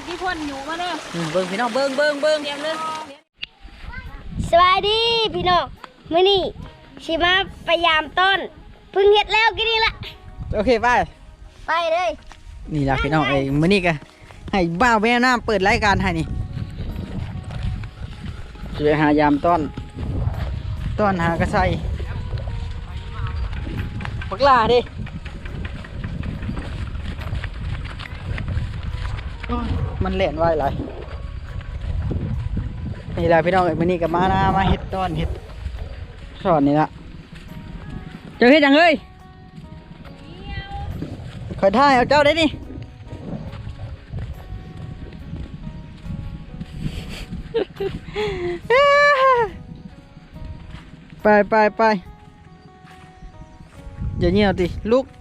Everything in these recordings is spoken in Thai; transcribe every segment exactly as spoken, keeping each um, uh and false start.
ที่พ่นอยู่มาเด้อเบิ้งพี่น้องเบิ้งเบิ้งเบิ้งเตรียมเลยสวัสดีพี่น้องมื้อนี้สิมาพยายามต้นพึ่งเฮ็ดแล้วกินนี่ละโอเคไปไปเลยนี่ล่ะพี่น้องเอ้ยมื้อนี้ก็ให้บ้าวแม่น้ำเปิดรายการให้นี่จะไปหายามต้นต้นหากระไซปักลาดิมันเล่นไว้หลายนี่แหละพี่น้องเอ้ยมื้อนี้ก็มาหน้ามาเฮ็ดต้นเฮ็ดสอนนี่ละเจ้าเฮ็ดจังเฮ้ยคอยท่ายเอาเจ้าได้ดิไปไปไปอย่าเงี่ยวดิลุก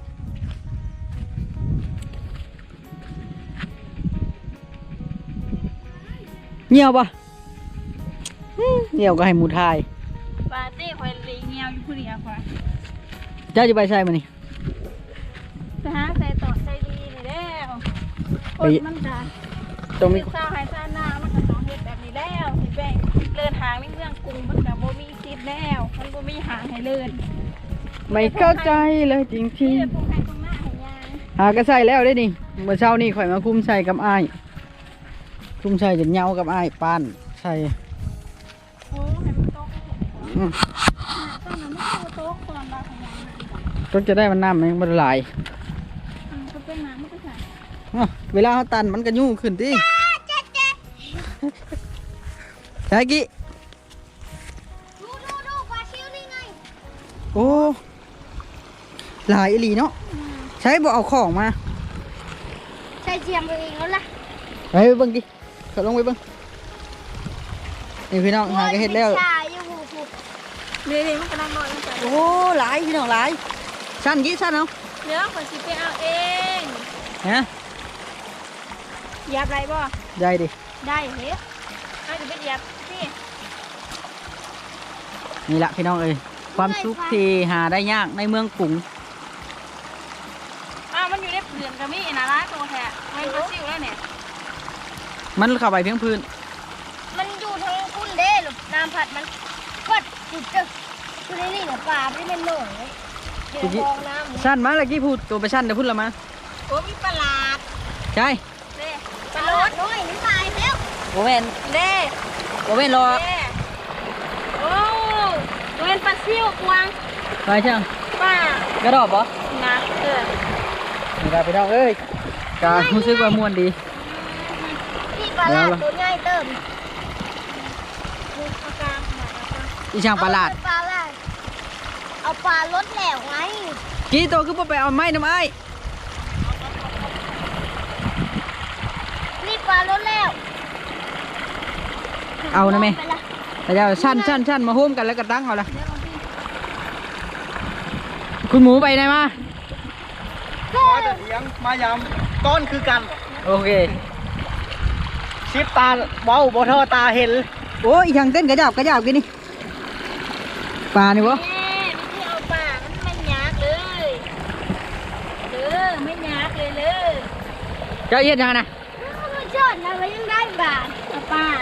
เงี่ยวปะเงี่ยวก็ให้หมูทายปาเต้คอยลีเงียวอยู่ผู้เดียวคอยเจ้าจะไปใช่มั้ยนี่ไปหาใส่ต่อใส่ดีนี่แล้วคนมันจะต้องมีข้าวหายซาหน้ามันก็ต้องเฮ็ดแบบนี้แล้วสิแบ่งเลื่อนหางในเมืองกรุงมันก็บ่มีสิทธิ์แล้วมันบ่มีหางให้เลื่อนไม่เข้าใจเลยจริงที่หากระใส่แล้วได้นี่เมื่อเช้านี่ข่อยมาคุ้มใส่กับอ้ายคุ้มใส่จะเหนียวกับอ้ายปานใส่โอ้ให้มันตกต้นนั้นมันโตกก่อนบาของยางก็จะได้มันน้ำมันละลายก็เป็นน้ำมันก็ใส่เวลาเขาตันมันก็ยุ่งขึ้นที่ใช่กี่ดูดูดูปลาชิวนี่ไงโอ้หลายอีหลีเนาะใช้บ่เอาของมาใช้เจียมเองแล้วล่ะไปเบิ้งดิเขาลงไปเบิ้งนี่พี่น้องหาก็เห็ดแล้วนี่นี่มันกำลังนอนโอ้หลายพี่น้องหลายสั้นกี่สั้นเอาเนื้อคนสิไปเอาเองฮะยับไรบ่ได้ดิได้เฮ้ยอาจจะไปยับนี่นี่แหละพี่น้องเอ้ยความสุขที่หาได้ยากในเมืองกรุงอ้าวมันอยู่ในเปลือกกระมี่นะร้านตัวแท้ไม่รู้ซิวแล้วเนี่ยมันเข้าไปเพียงพื้นมันอยู่ทางคุณเด้หรือน้ำผัดมันกัดจุดเจอคือในนี่เนี่ยปลาไม่เป็นหน่อยเดี๋ยวมองน้ำสั้นมาเลยกี่พูดตัวไปสั้นเดี๋ยวพูดละมาโอ้มีปลาดใช่เด้ปลาลดด้วยน้ำตายแล้วโอเวนเด้โอเวนรอโอ้โอเวนปลาซิวกวางไปเชียงป้ากระดอบปะนะเออนี่ครับพี่น้องเอ้ยการู้สึกว่ามวนดีนี่ปลาลาดตัวใหญ่เติมอีช่างปลาลาดปลาลาดเอาปลาลดแล้วไงกี่ตัวคือไปเอาไม้น้ำไม้นี่ปลาลดแล้วเอานะแม่แต่จะชั้นชั้นชั้นมาโฮมกันแล้วก็ตั้งเอาละคุณหมูไปไหนมามาแต่เสียงมายำต้นคือกันโอเคชิปตาเบ้าบอทอตาเห็นโอ้ยทางเต้นกระจับกระจับกินนี่ปลานี่วะไม่เอาปลามันไม่ยากเลยเออไม่ยากเลยเลยเจ้าเย็นยังไงมันชดนะมันยังได้บาทเอาปลา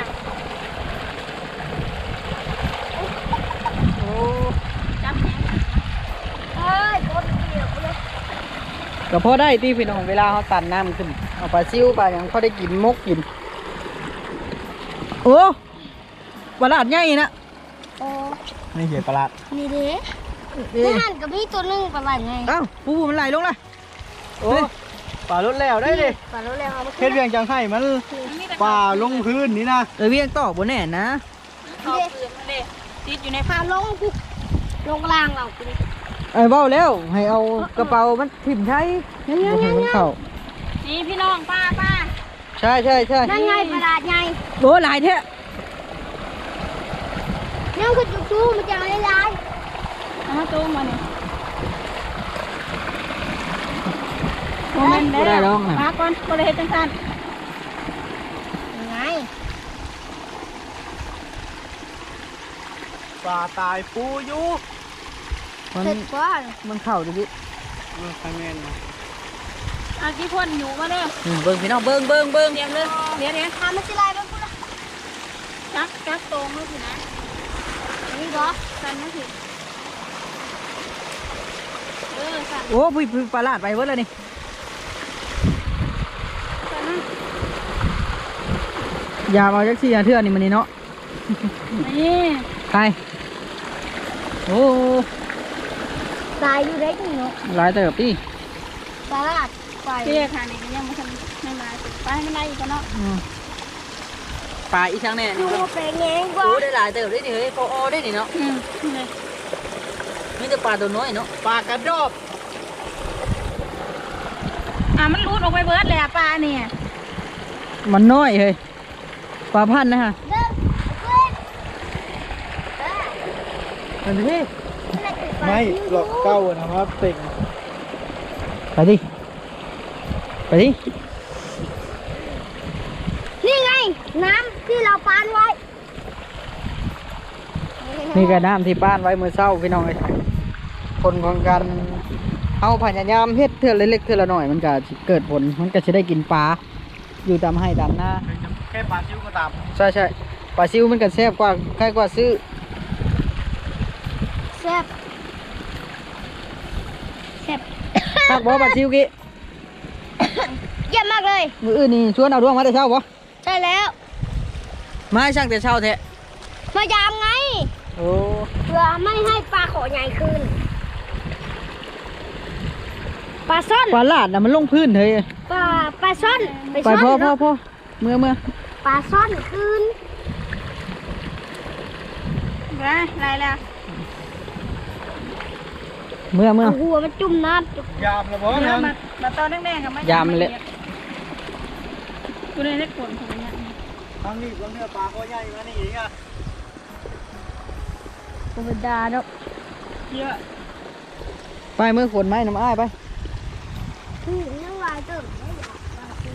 โอ้จับแหนเฮ้ยโคตรเดียวเลยก็พอได้ที่พี่น้องเวลาเขาตันน้ำขึ้นเอาปลาซิวปลาอย่างเขาได้กินมกกินโอ้ปลาลาดใหญ่นะโอ้ไม่เห็นปลานี่เด้ไม่หันกับพี่ตัวนึงปลาไหลไงเอ้าปูปูมันไหลลงเลยโอ้ปลาลดแล้วได้ดิปลาลดแล้วเฮ็ดเวียงจังไห้มันปลาลงพื้นนี่นะเออเวียงต่อบนแน่นะเขาเปลือกมันเลยติดอยู่ในปลาลงกูลงล่างเรากูไอ้เบ้าแล้วให้เอากระเป๋ามันถิ่มใช้ยังยังยังเข้านี่พี่น้องป้าป้าใช่ใช่ใช่นั่นไงปลาไงโอ้หลายเท่นี่คือจุกจูมันจะอะไรลายเอามาตู้มาเนี่ยโมเมนต์ได้แล้วมาก่อนก็เลยเห็นจังสันยังไงปลาตายปูอยู่มันมันเข่าดิบิมันคาเมนนะอากี่พ่นอยู่มาเด้ออืมเบิ่งพี่น้องเบิ่งเบิ่งเบิ่งเตรียมเลยเดี๋ยวเดี๋ยวทำมันสิลายมันพูดละจักจักตรงเลยสินะนี่เหรอสั่นนะสิเออสั่นโอ้พี่พี่ปลาลาดไปเบิดแล้วนี่สั่นนะยามาจักซี่เทื่อนี่มันนี่เนาะนี่ใครโอ้ลายอยู่ได้จริงเนาะหลายเติบดิตลาดไปเตี้ยค่ะนี่ก็ยังไม่ทันไม่มาไปให้มันได้อีกก็เนาะอืมปลาอีช่างแน่ดูนี่มาเป็นไงกว่าโอ้ได้หลายเติบได้นี่เฮ้ยพออได้นี่เนาะอืมนี่เลยมีแต่ปลาตัวน้อยเนาะปลากระดอบอ่ะมันรูดออกไปเบิร์ดเลยอ่ะปลาเนี่ยมันน้อยเฮ้ยปลาพันธุ์นะฮะเริ่มเพื่อนเออมันพี่ไม่หลอกเก้านะครับเต็งไปดิไปดินี่ไง น้ำที่เราปานไว้นี่ก็น้ำที่บ้านไว้มือเศร้าพี่น้องเอ้ยผลของการเอาพยายามเฮ็ดเทื่อเล็กๆเทื่อละหน่อยมันก็สิเกิดผลมันก็จะได้กินปลาอยู่ตามให้ตามหน้าแค่ปลาซิวก็ตามใช่ใช่ปลาซิวมันก็แซ่บกว่าใกล้กว่าซื้อแซ่บแซ่บภาคบ่ปลาซิวกี้เยี่ยมมากเลยมืออื่นนี่ชวนเอาดวงมาแต่เช้าบ่ใช่แล้วมาให้ช่างแต่เช้าแท้มายามไงโอ้เพื่อไม่ให้ปลาขอใหญ่ขึ้น ปลาซ่อนปลาลาดน่ะมันลงพื้นเฮ้ยปลาปลาซ่อนไปซ่อนพ่อพ่อเนาะพ่อเมื่อเมื่อปลาซ่อนคืนไปไรแล้วเมื่อเมื่อเอาหัวมันจุ่มน้ำจุ่มยามละบ่เดี๋ยนั่วน มามาตอนแดงๆกับไม่ยามเลยกูเลยได้ผลของมันเนี่ยทางนี้บางเนื้อปลาก็ใหญ่มานี่อีกอ่ะธรรมดาเนาะเยอะไปเมื่อขนไม้น้ำอ้ายไปคือน้ำลายเติมไม่อยากปลาคือ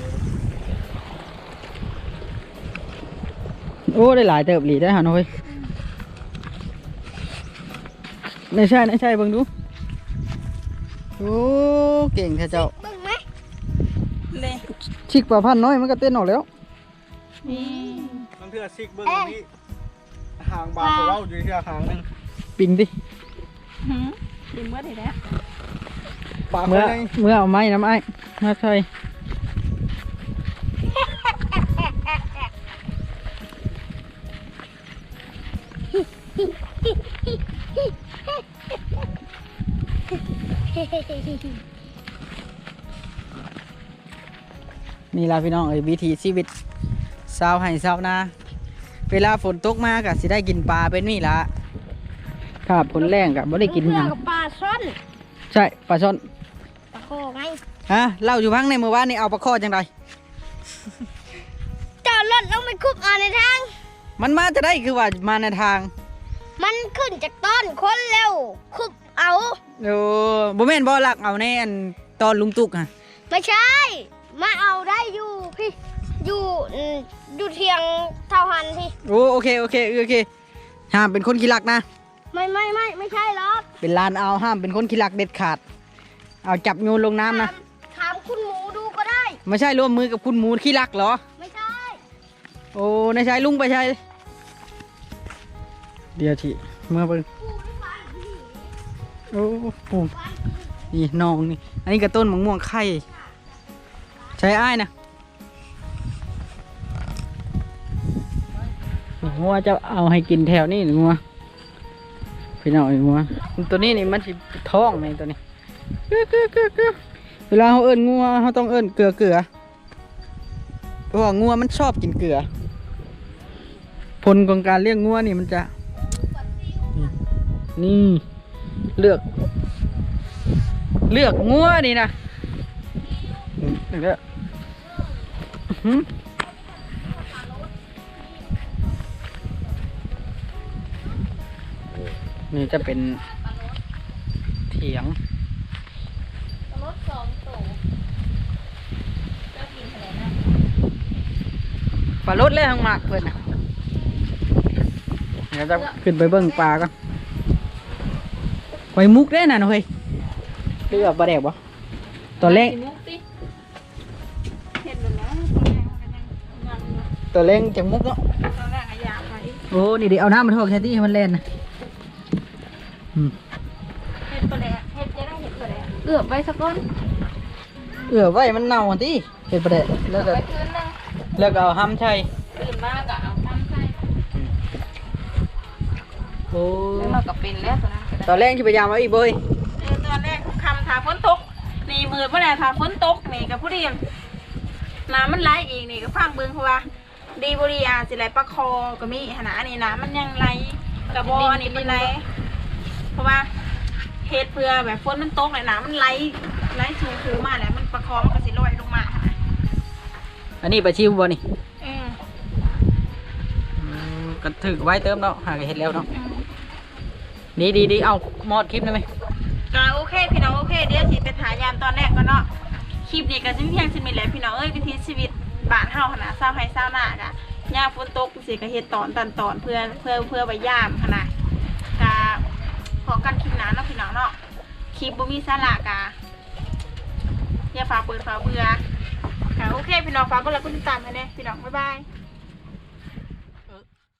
โอ้ได้หลายเติบหลีได้หาหน่อยไม่ใช่ไม่ใช่เบิ่งดูโอ้เก่งแท้เจ้าเบิ่งไหมเลยชิกปลาพันธุ์น้อยมันก็เต้นออกแล้วนี่บางเทื่อซิกเบิ้งตรงนี้ห่างบาทของเราอยู่ที่ห่างหนึงปิงดิหืมดิมเบิร์ดเห็นแล้วปลาเมื่อคนนี้เมื่อเอาไม้น้ำอ้ายมาใส่ นี่ล่ะพี่น้องเอ้ยวิถีชีวิตชาวไห่ชาวนาเวลาฝนตกมาก็สิได้กินปลาเป็นนี่ล่ะถ้าฝนแรงก็บ่ได้กินหยังกับปลาซ่อนใช่ปลาช่อนปลาโคไงฮะเล่าอยู่พังในเมื่อวานนี่เอาปลาข้อจังไดจอดรถลงไปคุบเอาในทางมันมาจะได้คือว่ามาในทางมันขึ้นจากต้นคนเร็วคุบเอาโอ้บ่แม่นบ่ลักเอาในอันตอนลุงตุกฮะไม่ใช่ มาเอาได้อยู่พี่ อยู่อืมอยู่เทียงเท่าหันพี่โอ้โอเคโอเคโอเคห้ามเป็นคนขี้ลักนะไม่ไม่ไม่ไม่ใช่หรอกเป็นลานเอาห้ามเป็นคนขี้ลักเด็ดขาด เอาจับโยนลงน้ำนะถามถามคุณหมูดูก็ได้ไม่ใช่ร่วมมือกับคุณหมูขี้ลักเหรอไม่ใช่โอ้นายชายลุงไปใช่เดี๋ยวทีเมื่อเบิ่งกูไม่ฟังพี่โอ้โหนี่น้องนี่อันนี้กระต้นมะม่วงไข่ใช้อ้ายนะงัวจะเอาให้กินแถวนี้หรืองัวพี่น้องไอ้งัวตัวนี้นี่มันสิท้องไหมตัวนี้เกลือเกลือเกลือเกลือเวลาเขาเอิ้นงัวเขาต้องเอิ้นเกลือเกลือเพราะว่างัวมันชอบกินเกลือผลของการเลี้ยงงัวนี่มันจะนี่เลือก เลือกงัวนี่นะเลือกหืมนี่จะเป็นเถียงรถสองตัวก็กินอะไรนะปลารถเลยทางหมากเพื่อนนะเดี๋ยวจะขึ้นไปเบิ้งปลาก่อนไปมุกได้น่ะหน่อยเลือกปลาแดกบ่ตอนแรกมุกสิตัวเล็งจากมุกเนาะตอนแรกอะอยากไปโอ้นี่เดี๋ยวเอาน้ำมาทอกแค่ที่ให้มันเล่นนะอืมเห็ดปลาแดกเห็ดจะได้เห็ดปลาแดกเอือบไว้สักก้อนเอือไว้มันเน่าที่เห็ดประเดะแล้วก็ไปคืนนึงแล้วก็เอาห้ำใช่ตื่นมากอะเอาทำใส่โอ้แล้วเราก็เป็นแล้วตอนนั้นก็ได้ตอนแรกที่พยายามเอาอีกเบยเออตอนแรกคำถาฝนตกนี่มือเมื่อไหร่ถาฝนตกนี่กับผู้เรียนน้ำมันไหลอีกนี่ก็ฟังเบิ้งเพราะว่าดีบริอาสิไหลปลาคอก็มีขนาดนี้น้ำมันยังไหลกระบออันนี้เป็นไรเพราะว่าเฮ็ดเพื่อแบบฝนมันตกเลยน้ำมันไหลไหลสูงสูงมาแล้วมันประคองมันก็สิลอยลงมาค่ะอันนี้ปลาชิวบ่นี่อืมอืมก็ถือไว้เติมเนาะหากเห็ดแล้วเนาะอืมดีดีดีเอามอดคลิปได้ไหมก็โอเคพี่น้องโอเคเดี๋ยวสิไปถ่ายยามตอนแรกก็เนาะคลิปนี้ก็สิเพียงสิมีแหละพี่น้องเอ้ยวิถีชีวิตบ้านเฮาขนาดเศร้าให้เศร้าหน้ากะยามฝนตกสิก็เฮ็ดตอนตันตอนเพื่อเพื่อเพื่อไปยามขนาดกะพอกันคลิปหน้าเนาะพี่น้องเนาะคลิปบ่มีสาระกะอย่าฝากเปิดฝากเบื่อค่ะโอเคพี่น้องฝากกดไลค์กดติดตามให้แน่พี่น้องบ๊ายบาย